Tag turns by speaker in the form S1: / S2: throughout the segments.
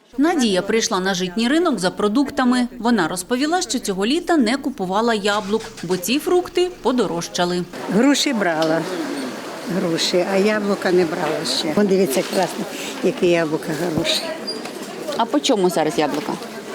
S1: Надія прийшла на житній ринок за продуктами. Вона розповіла, що цього літа не купувала яблук, бо ці фрукти подорожчали.
S2: Груші брала, а яблука не брала ще. Вон дивіться, красно, які яблука хороші.
S1: А по чому зараз яблука?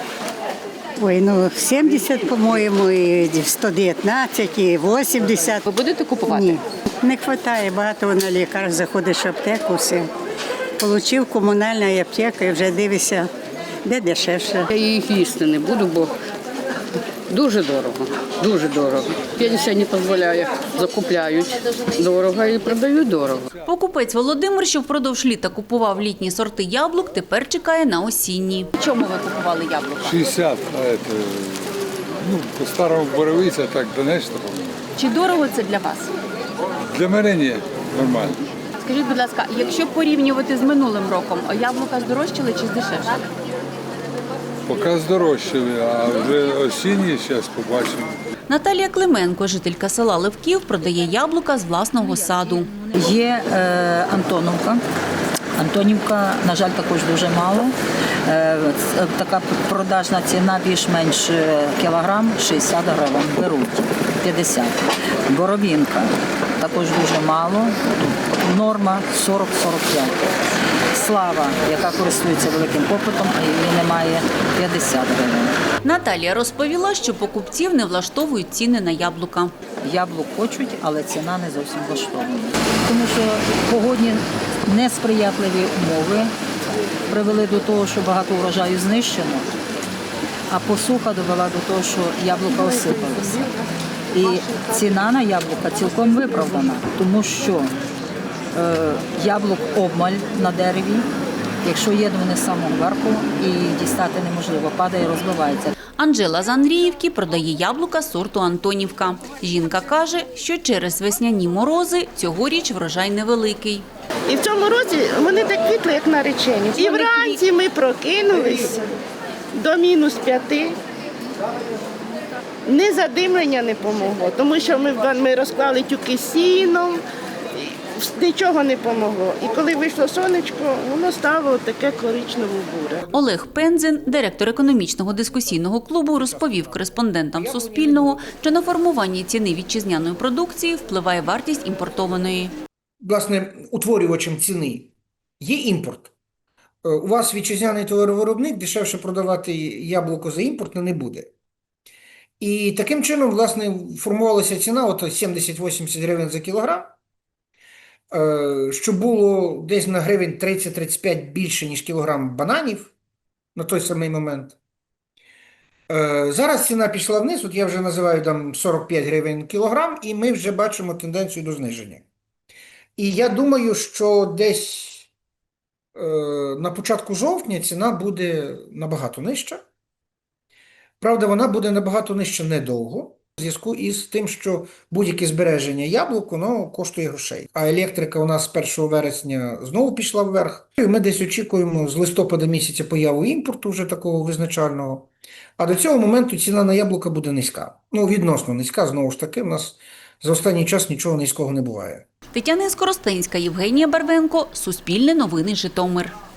S2: Ой, 70, по-моєму, і 119, і 80.
S1: Ви будете купувати?
S2: Ні, не вистачає, багато на лікар, заходиш в аптеку, все. Получив комунальна аптека і вже дивишся, де дешевше.
S3: Я їх їсти не буду, бо дуже дорого, дуже дорого. Пенсія не дозволяє, закупляють дорого і продають дорого.
S1: Покупець Володимир, що впродовж літа купував літні сорти яблук, тепер чекає на осінні. Чому ви купували яблука?
S4: 60, а это, по-старому боровиця, так Донецька.
S1: Чи дорого це для вас?
S4: Для мене ні, нормально.
S1: Скажіть, будь ласка, якщо порівнювати з минулим роком, яблука здорожчали чи здешевшали?
S4: Поки здорожчали, а вже осінні, зараз побачимо.
S1: Наталія Клименко, жителька села Левків, продає яблука з власного саду.
S5: Є Антоновка. Антонівка, на жаль, також дуже мало. Така продажна ціна більш-менш кілограм 60 гривень, беруть 50. Боровінка також дуже мало, норма 40-45. Слава, яка користується великим попитом, а її немає, 50 гривень.
S1: Наталія розповіла, що покупців не влаштовують ціни на яблука.
S5: Яблук хочуть, але ціна не зовсім влаштована. Тому що погодні несприятливі умови привели до того, що багато врожаю знищено, а посуха довела до того, що яблука осипалися. І ціна на яблука цілком виправдана, тому що яблук обмаль на дереві, якщо є вони з самого верху і дістати неможливо, падає, розбивається.
S1: Анжела з Андріївки продає яблука сорту Антонівка. Жінка каже, що через весняні морози цьогоріч врожай невеликий.
S6: І в цьому році вони так квітли, як наречені. І вранці ми прокинулись до -5. Ні задимлення не помогло, тому що ми розклали тюки сіном, нічого не помогло. І коли вийшло сонечко, воно стало таке коричнево-буре.
S1: Олег Пензин, директор економічного дискусійного клубу, розповів кореспондентам Суспільного, що на формування ціни вітчизняної продукції впливає вартість імпортованої.
S7: Власне, утворювачем ціни є імпорт. У вас вітчизняний товаровиробник, дешевше продавати яблуко за імпортне не буде. І таким чином, власне, формувалася ціна от 70-80 гривень за кілограм, що було десь на гривень 30-35 більше, ніж кілограм бананів на той самий момент. Зараз ціна пішла вниз, от я вже називаю там 45 гривень кілограм, і ми вже бачимо тенденцію до зниження. І я думаю, що десь на початку жовтня ціна буде набагато нижча. Правда, вона буде набагато нижча недовго, в зв'язку із тим, що будь-яке збереження яблук, воно коштує грошей. А електрика у нас з 1 вересня знову пішла вверх. І ми десь очікуємо з листопада місяця появу імпорту вже такого визначального. А до цього моменту ціна на яблука буде низька. Відносно низька, знову ж таки, у нас за останній час нічого низького не буває.
S1: Тетяна Скоростенська, Євгенія Барвенко, Суспільне новини, Житомир.